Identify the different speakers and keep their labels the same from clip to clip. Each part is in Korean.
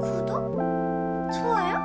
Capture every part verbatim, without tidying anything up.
Speaker 1: 구독? 좋아요?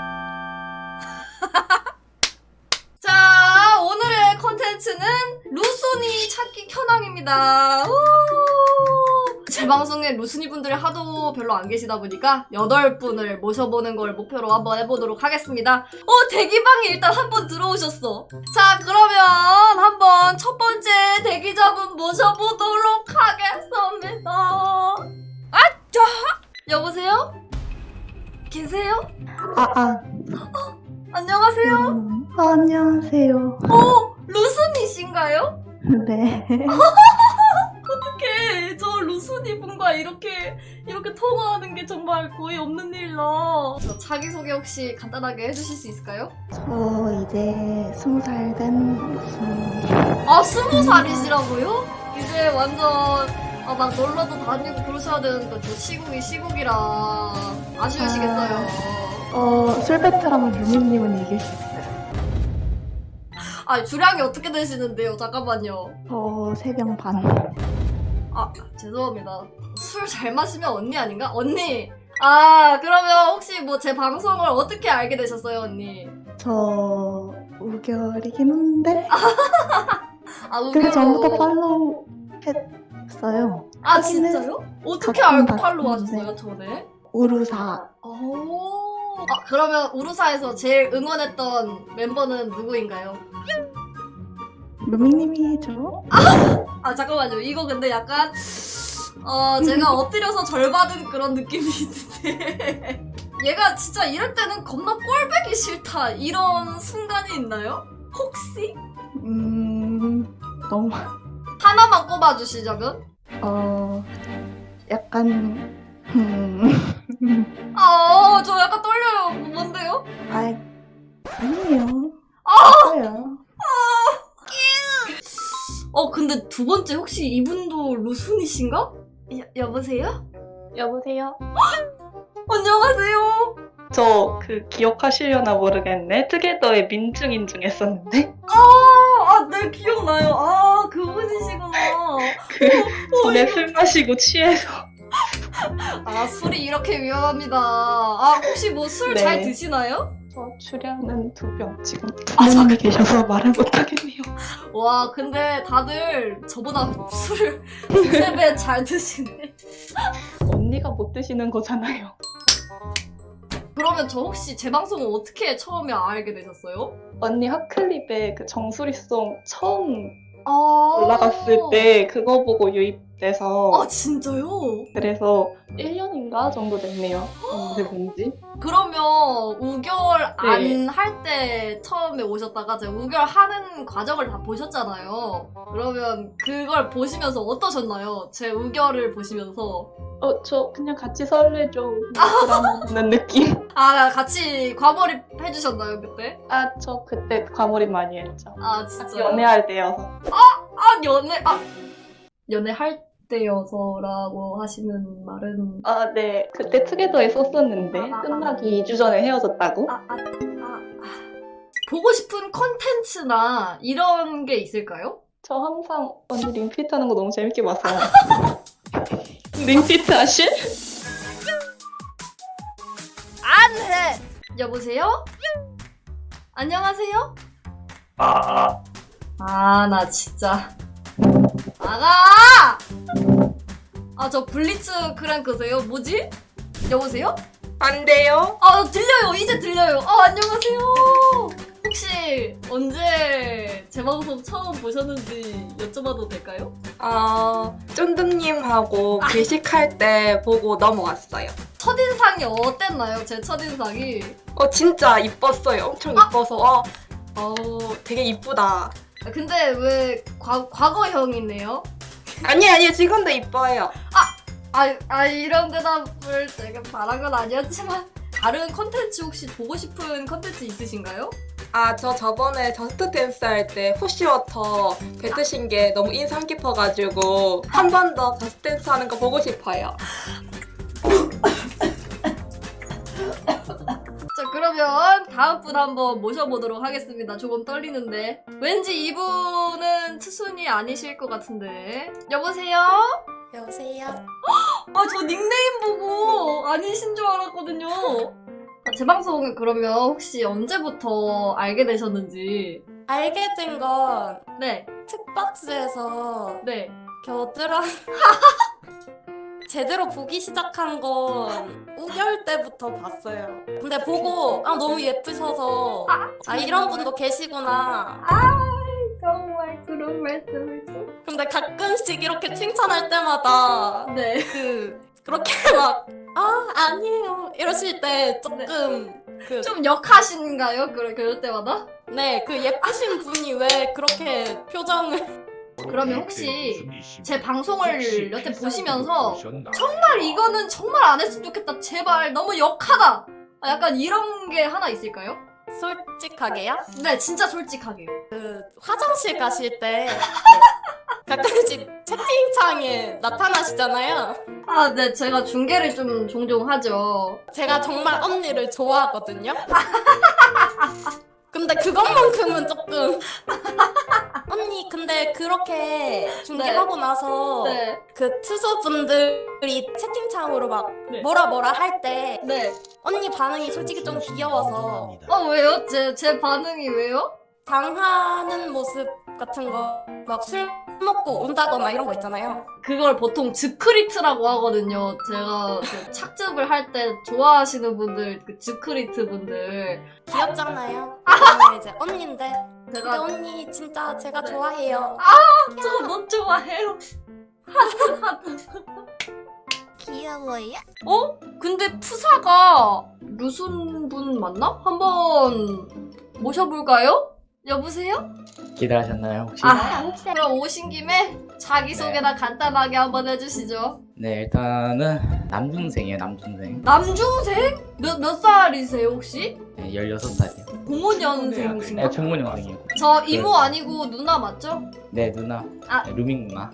Speaker 1: 자, 오늘의 컨텐츠는 루순이 찾기 현황입니다. 우! 제 방송에 루순이 분들이 하도 별로 안 계시다 보니까 여덟 분을 모셔보는 걸 목표로 한번 해보도록 하겠습니다. 어, 대기방에 일단 한 번 들어오셨어. 자, 그러면 한번 첫 번째 대기자분 모셔보도록 하겠습니다. 아, 자! 여보세요? 계세요?
Speaker 2: 아, 아.
Speaker 1: 어, 안녕하세요?
Speaker 2: 음, 아, 안녕하세요.
Speaker 1: 어, 루순이신가요?
Speaker 2: 네.
Speaker 1: 어떡해. 저 루순이 분과 이렇게 이렇게 통화하는 게 정말 거의 없는 일이라. 저 자기소개 혹시 간단하게 해주실 수 있을까요?
Speaker 2: 저 이제 스무 살 된 무슨.
Speaker 1: 아, 스무 살이시라고요? 이제 완전 아, 막 놀러도 다니고 그러셔야 되는데 저 시국이 시국이라 아쉬우시겠어요.
Speaker 2: 어, 술 베테랑 유미님은 이길 수 있어요.
Speaker 1: 아, 주량이 어떻게 되시는데요? 잠깐만요.
Speaker 2: 저 세 병 반.
Speaker 1: 아, 죄송합니다. 술 잘 마시면 언니 아닌가? 언니! 아, 그러면 혹시 뭐 제 방송을 어떻게 알게 되셨어요, 언니?
Speaker 2: 저 우결이긴 한데.
Speaker 1: 아,
Speaker 2: 그
Speaker 1: 우결로.
Speaker 2: 전부터 팔로우 했어요.
Speaker 1: 아,
Speaker 2: 하기는
Speaker 1: 진짜요? 어떻게
Speaker 2: 가끔
Speaker 1: 알고 팔로우
Speaker 2: 봤는데.
Speaker 1: 하셨어요, 전에?
Speaker 2: 우루사.
Speaker 1: 오. 아, 그러면 우루사에서 제일 응원했던 멤버는 누구인가요?
Speaker 2: 루미님이죠?
Speaker 1: 아, 잠깐만요. 이거 근데 약간 어, 제가 엎드려서 절 받은 그런 느낌이 있는데 얘가 진짜 이럴 때는 겁나 꼴배기 싫다 이런 순간이 있나요? 혹시?
Speaker 2: 음, 너무,
Speaker 1: 하나만 꼽아주시자면?
Speaker 2: 어, 약간, 음,
Speaker 1: 아, 어, 저 약간 떨려요. 뭔데요?
Speaker 2: 아, 아니에요.
Speaker 1: 아!
Speaker 2: 없어요.
Speaker 1: 어, 근데 두 번째 혹시 이분도 루순이신가? 여, 여보세요?
Speaker 3: 여보세요?
Speaker 1: 안녕하세요.
Speaker 3: 저 그 기억하시려나 모르겠네. 투게더의 민중인중 했었는데
Speaker 1: 아, 아, 네, 기억나요. 아, 그분이시구나.
Speaker 3: 그 전에 술 마시고 취해서
Speaker 1: 아, 술이 이렇게 위험합니다. 아, 혹시 뭐 술 잘
Speaker 3: 네.
Speaker 1: 드시나요?
Speaker 3: 저 주량은 두 병 지금
Speaker 1: 아,
Speaker 3: 부모님이 계셔서 말을 못하겠네요.
Speaker 1: 와, 근데 다들 저보다 술을 두세 배 잘 드시네.
Speaker 3: 언니가 못 드시는 거잖아요.
Speaker 1: 그러면 저 혹시 제 방송을 어떻게 처음에 알게 되셨어요?
Speaker 3: 언니 핫클립에 그 정수리송 처음
Speaker 1: 아,
Speaker 3: 올라갔을 때 그거 보고 유입돼서
Speaker 1: 아, 진짜요?
Speaker 3: 그래서 일 년인가 정도 됐네요. 언제 본지.
Speaker 1: 그러면 우결 안 할 때 처음에 오셨다가 제가 우결 하는 과정을 다 보셨잖아요. 그러면 그걸 보시면서 어떠셨나요? 제 우결을 보시면서.
Speaker 3: 어, 저 그냥 같이 설레죠. 드라마 보는 느낌.
Speaker 1: 아, 같이 과몰입 해주셨나요, 그때?
Speaker 3: 아, 저 그때 과몰입 많이 했죠.
Speaker 1: 아,
Speaker 3: 같이
Speaker 1: 진짜.
Speaker 3: 연애할 때여서.
Speaker 1: 아, 연애, 아. 연애할 때여서라고 하시는 말은.
Speaker 3: 아, 네. 그때 투게더에 썼었는데
Speaker 1: 아, 아, 아.
Speaker 3: 끝나기 이 주 전에 헤어졌다고?
Speaker 1: 아, 아, 아, 아. 보고 싶은 컨텐츠나 이런 게 있을까요?
Speaker 3: 저 항상 언니 링피트 하는 거 너무 재밌게 봐서. 링피트 아실?
Speaker 1: 안 해! 여보세요? 안녕하세요?
Speaker 3: 아,
Speaker 1: 아, 나 진짜. 나가! 아, 저 블리츠 크랭크세요? 뭐지? 여보세요?
Speaker 3: 안 돼요?
Speaker 1: 아, 들려요. 이제 들려요. 아, 안녕하세요. 혹시 언제 제 방송 처음 보셨는지 여쭤봐도 될까요?
Speaker 4: 어, 쫀득님하고 회식할 때 보고 넘어왔어요.
Speaker 1: 첫인상이 어땠나요? 제 첫인상이.
Speaker 4: 어, 진짜 이뻤어요. 엄청
Speaker 1: 아!
Speaker 4: 이뻐서, 어, 어, 되게 이쁘다.
Speaker 1: 아, 근데 왜 과, 과거형이네요?
Speaker 4: 아니, 아니, 지금도 이뻐요.
Speaker 1: 아, 아, 이런 대답을 제가 바란 건 아니었지만 다른 컨텐츠 혹시 보고 싶은 컨텐츠 있으신가요?
Speaker 4: 아, 저 저번에 저스트 댄스 할 때 푸쉬워터 뱉으신 게 너무 인상 깊어가지고 한 번 더 저스트 댄스 하는 거 보고 싶어요.
Speaker 1: 자, 그러면 다음 분 한번 모셔보도록 하겠습니다. 조금 떨리는데 왠지 이분은 투순이 아니실 것 같은데. 여보세요?
Speaker 5: 여보세요?
Speaker 1: 아, 저 닉네임 보고 아니신 줄 알았거든요. 아, 제 방송 그러면 혹시 언제부터 알게 되셨는지.
Speaker 5: 알게 된 건
Speaker 1: 네,
Speaker 5: 특박스에서
Speaker 1: 네.
Speaker 5: 겨우 들어 제대로 보기 시작한 건 우결 때부터 봤어요. 근데 보고 아 너무 예쁘셔서 아 이런 분도 계시구나.
Speaker 1: 정말 그런 말씀을 좀.
Speaker 5: 근데 가끔씩 이렇게 칭찬할 때마다
Speaker 1: 네.
Speaker 5: 그 그렇게 막 아 아니에요 이러실 때 조금 그
Speaker 1: 좀 역하신가요? 그럴, 그럴 때마다?
Speaker 5: 네, 그 예쁘신 분이 왜 그렇게 표정을
Speaker 1: 그러면 혹시 제 방송을 여태 보시면서 정말 이거는 정말 안 했으면 좋겠다. 제발 너무 역하다. 아, 약간 이런 게 하나 있을까요?
Speaker 5: 솔직하게요?
Speaker 1: 네, 진짜 솔직하게요.
Speaker 5: 그 화장실 가실 때 가끔씩 채팅창에 나타나시잖아요.
Speaker 1: 아, 네, 제가 중계를 좀 종종 하죠.
Speaker 5: 제가 정말 언니를 좋아하거든요. 근데 그것만큼은 조금 언니 근데 그렇게 중계하고 나서
Speaker 1: 네,
Speaker 5: 그 투수분들이 채팅창으로 막
Speaker 1: 네.
Speaker 5: 뭐라 뭐라 할 때
Speaker 1: 네.
Speaker 5: 언니 반응이 솔직히 좀 귀여워서
Speaker 1: 어, 왜요? 제, 제 반응이 왜요?
Speaker 5: 당하는 모습 같은 거 막 술 먹고 운다거나 이런 거 있잖아요.
Speaker 1: 그걸 보통 즈크리트라고 하거든요. 제가 그 착즙을 할 때 좋아하시는 분들, 그 즈크리트 분들.
Speaker 5: 귀엽잖아요. 그러면 이제 언니인데 근데
Speaker 1: 제가
Speaker 5: 언니 진짜 제가 좋아해요.
Speaker 1: 저 너 좋아해요.
Speaker 2: 귀여워요?
Speaker 1: 어? 근데 푸사가 루순 분 맞나? 한번 모셔볼까요? 여보세요?
Speaker 6: 기다리셨나요 혹시?
Speaker 1: 아, 그럼 오신 김에 자기소개나 간단하게 한번 해주시죠.
Speaker 6: 네 일단은 남중생이에요 남중생.
Speaker 1: 남중생? 몇, 몇 살이세요, 혹시?
Speaker 6: 네, 열여섯 살이요.
Speaker 1: 공오년생이신가?
Speaker 6: 네 공무원생이에요.
Speaker 1: 저 이모 아니고 누나 맞죠?
Speaker 6: 네 누나.
Speaker 1: 아.
Speaker 6: 네, 루밍 누나.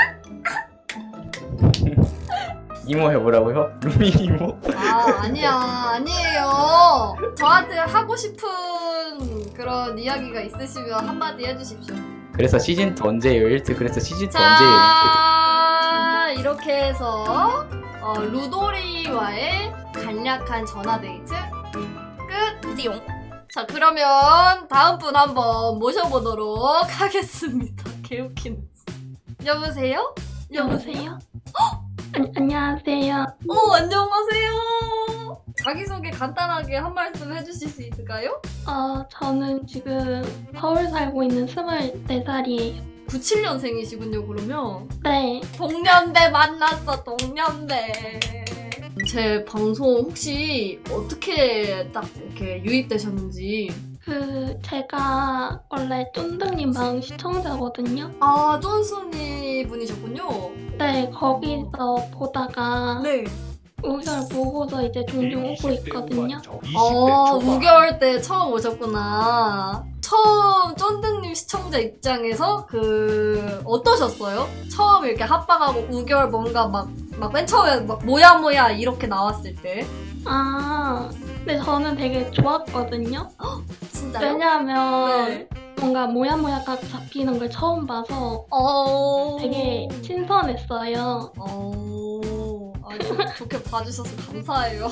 Speaker 6: 이모 해보라고요? 루밍 이모?
Speaker 1: 아, 아니야. 아니에요. 저한테 하고 싶은 그런 이야기가 있으시면 한마디 해주십시오.
Speaker 6: 그래서 시즌이 언제예요? 일 트 그래서 시즌이 언제예요?
Speaker 1: 자, 이렇게 해서 어, 루도리와의 간략한 전화데이트 끝!
Speaker 5: 띠용.
Speaker 1: 자, 그러면 다음 분 한번 모셔보도록 하겠습니다. 개웃기네. 여보세요?
Speaker 2: 여보세요? 안, 안녕하세요.
Speaker 1: 어, 안녕하세요. 자기소개 간단하게 한 말씀 해주실 수 있을까요?
Speaker 2: 어, 저는 지금 서울 살고 있는 스물네 살이에요.
Speaker 1: 구십칠년생이시군요, 그러면.
Speaker 2: 네,
Speaker 1: 동년배 만났어, 동년배. 제 방송 혹시 어떻게 딱 이렇게 유입되셨는지.
Speaker 2: 그 제가 원래 쫀득님 방 시청자거든요.
Speaker 1: 아, 쫀순이 분이셨군요.
Speaker 2: 네, 거기서 보다가
Speaker 1: 네.
Speaker 2: 우결 보고서 이제 종종 오고 있거든요.
Speaker 1: 어, 우결 때 처음 오셨구나. 처음 쫀득님 시청자 입장에서 그 어떠셨어요? 처음 이렇게 합방하고 우결 뭔가 막 막 맨 처음에 막 뭐야 뭐야 이렇게 나왔을 때.
Speaker 2: 아, 근데 저는 되게 좋았거든요.
Speaker 1: 진짜요?
Speaker 2: 왜냐하면
Speaker 1: 네.
Speaker 2: 뭔가 모야모야가 잡히는 걸 처음 봐서
Speaker 1: 어.
Speaker 2: 되게 신선했어요.
Speaker 1: 어. 아주 좋게 봐주셔서 감사해요.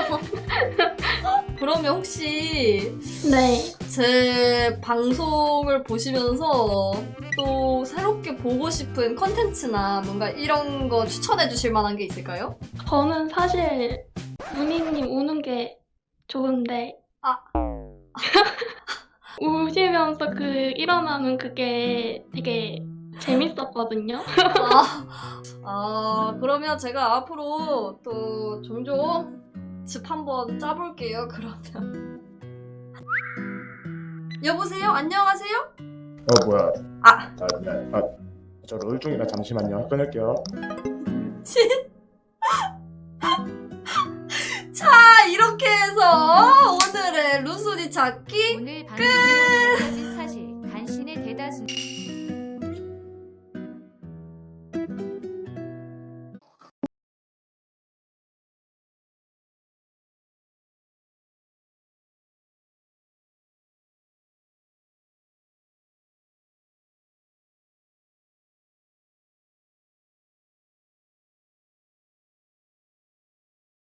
Speaker 1: 그러면 혹시
Speaker 2: 네.
Speaker 1: 제 방송을 보시면서 또 새롭게 보고 싶은 컨텐츠나 뭔가 이런 거 추천해 주실 만한 게 있을까요?
Speaker 2: 저는 사실 문희님 우는 게 좋은데
Speaker 1: 아.
Speaker 2: 우시면서 그 일어나는 그게 되게 재밌었거든요.
Speaker 1: 아, 아, 그러면 제가 앞으로 또 종종 집 한번 짜볼게요, 그러면. 여보세요? 안녕하세요?
Speaker 7: 어 뭐야?
Speaker 1: 아.
Speaker 7: 아, 미안. 아, 저 롤 중이라 잠시만요. 끊을게요.
Speaker 1: 자, 이렇게 해서 오늘의 루순이 찾기
Speaker 8: 오늘 방송에서 알려진 사실, 당신의 대다수